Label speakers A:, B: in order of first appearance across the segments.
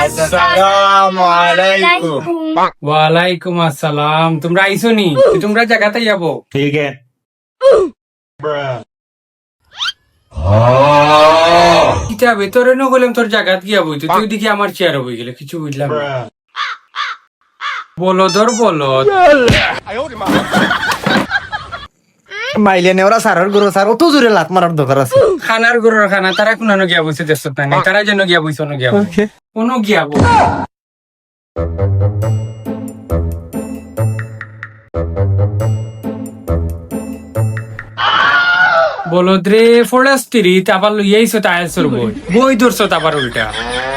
A: আসসালামু আলাইকুম।
B: ওয়ালাইকুম আসসালাম। তোমরা আইসো নি? তোমরা জায়গাতে যাবো?
A: ঠিক আছে।
B: কিতা ভেতরে ন গেলাম, তোর জায়গাত গিয়া বইতো, তুই দেখি আমার চেয়ার বই গেলে কিছু বুঝলাম না। বলদর বলদ।
C: মাইলে নেওরা সারার গরু সার অত জোরে লাত মারার দরকার আছে।
B: খানার গরুর খানা তারা কোন গিয়া বইছে দেশ নাই, তারা যেন গিয়া বইছে অন্য গিয়া কোন গিয়া বই। বলদ রে ফরেস্ট্রি আবার লইয়াইছো টায়ালসর বই বই ধরছো আবার উল্টা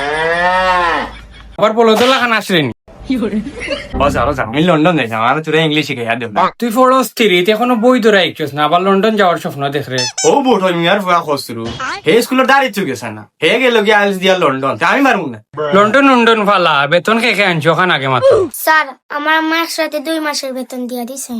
B: আবার বলদলা খান আসলেনি।
A: আমি লন্ডন যাইতাম, আর তোরা ইংলিশ শিখাইয়া দেব।
B: তুই ফরেস্ট্রি এখনো বই ধরে আইছিস না, আবার লন্ডন যাওয়ার স্বপ্ন দেখ রে।
A: ও বোট আমি আর ফুয়া খসরু হে স্কুলের দাঁড়িয়ে চুকেছে না, হে গেল গিয়ে আইলস দিয়া লন্ডন, আমি পারবো না।
B: লন্ডন লন্ডন ফালা বেতন খেয়ে আনছো ওখান আগে মাত্র।
D: স্যার আমার আম্মা একসাথে 2 মাসের বেতন দিয়া দিছে।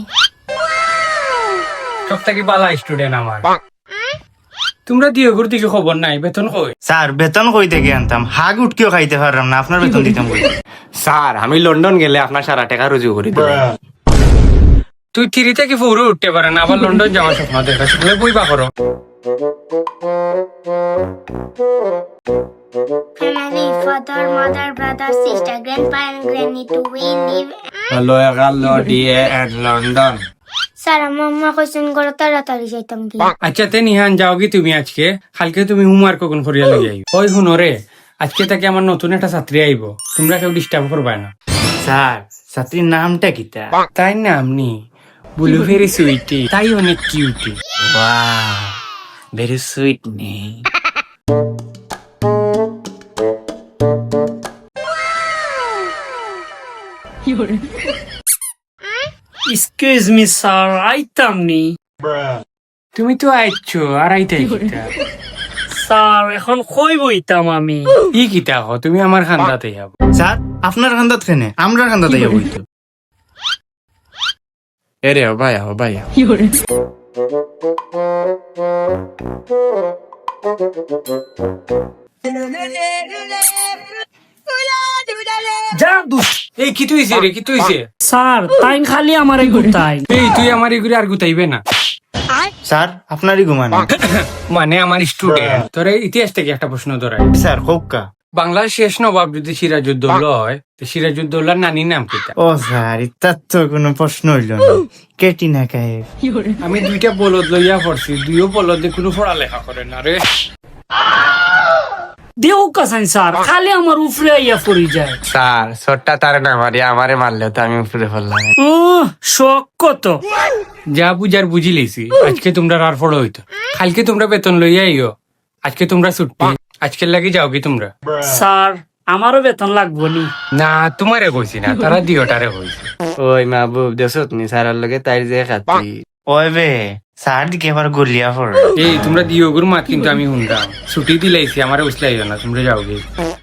B: সব থেকে পালা স্টুডেন্ট আমার। তোমরা দিও ঘুর থেকে খবর নাই, বেতন কই?
C: স্যার বেতন কই থেকে আনতাম, হাগ উঠকেও খাইতে পারলাম না, আপনার বেতন দিতাম কই?
A: স্যার আমি লন্ডন গেলে আপনার সারা টাকা রুজু করি দেব।
B: তুই থ্রি থেকে ফোরে উঠতে পারে না, আবার লন্ডন যাওয়ার স্বপ্ন দেখা শুনলে বই বা করো।
D: Family, father, mother, brother, sister, grandpa and granny to we live.
A: Hello hello DA at London.
D: Sir আমার আম্মা কইছেন ঘরে তাড়াতাড়ি যাইতাম কি।
B: আচ্ছা তে নিহান যাও কি তুমি আজকে? কালকে তুমি হোমওয়ার্ক কোন করিয়া লই আইব। ওই শুনো রে, আজকে থেকে আমার নতুন একটা ছাত্রী আইব, তোমরা কেউ ডিস্টার্ব করবা না।
C: স্যার ছাত্রীর নামটা কিতা?
B: তাই নাম নি বুলু ভেরি সুইটি, তাই অনেক cutie.
C: Wow very sweet name.
E: Excuse me sir, আইতাম নি।
B: তুমি তো আইছো আর আইতাই কিতা?
E: স্যার এখন কই বইতাম আমি?
B: ই কিতা হ, তুমি আমার খান্দাতে যাব।
C: স্যার আপনার খান্দাত খেনে আমরা খান্দাত যাবো হইতো।
A: এরে ভাই ভাই
E: যা দুষ।
B: এই কি তুইছে রে, কি তুইছে?
E: স্যার তাই খালি আমারে গুতাই।
B: এই তুই আমার এগুলি আর গুতাইবে না।
C: স্যার আপনারই ঘুমানো।
B: মানে আমার স্টুডেন্ট তোর ইতিহাস থেকে একটা প্রশ্ন ধরাই।
C: স্যার কোকা
B: বাংলার শেষ নবাব যদি সিরাজউদ্দৌলা হয়, তো সিরাজউদ্দৌলার নানির নাম কিতা?
C: ও স্যার ইতার তো কোনো প্রশ্ন হইল না, কেটিনা কায়েব।
B: আমি 2টা বলদ লইয়া পড়ছি, 2ও বলদে কোনো পড়ালেখা করে না রে।
E: দেও কাসান স্যার, খালি আমার উপরে আইয়া পড়ি যায়।
A: স্যার ছোট্টা তারে না মারি আমারে মারলে তো আমি উপরে ফেললাম।
E: শখ কত।
B: যা বুঝার বুঝি লিছি, আজকে তোমরা আর পড়ো হইতো, কালকে তোমরা বেতন লইয়া আইও, আজকে তোমরা ছুটি, আজকের লাগি যাও কি তোমরা?
E: স্যার আমারও বেতন লাগবো নি?
B: না তোমারে কইছি না, তারা দিওটারে কইছে।
A: ওই মাহবুব দেশত নি স্যারের লগে তাই যে খাতি।
C: ওই বে স্যার দিকে আবার গলিয়া পড়ে।
B: এই তোমরা দিও গুর মাত কিন্তু আমি শুনলাম, ছুটি দিলাইছি, আমার উসলাইও না, তোমরা যাও গে।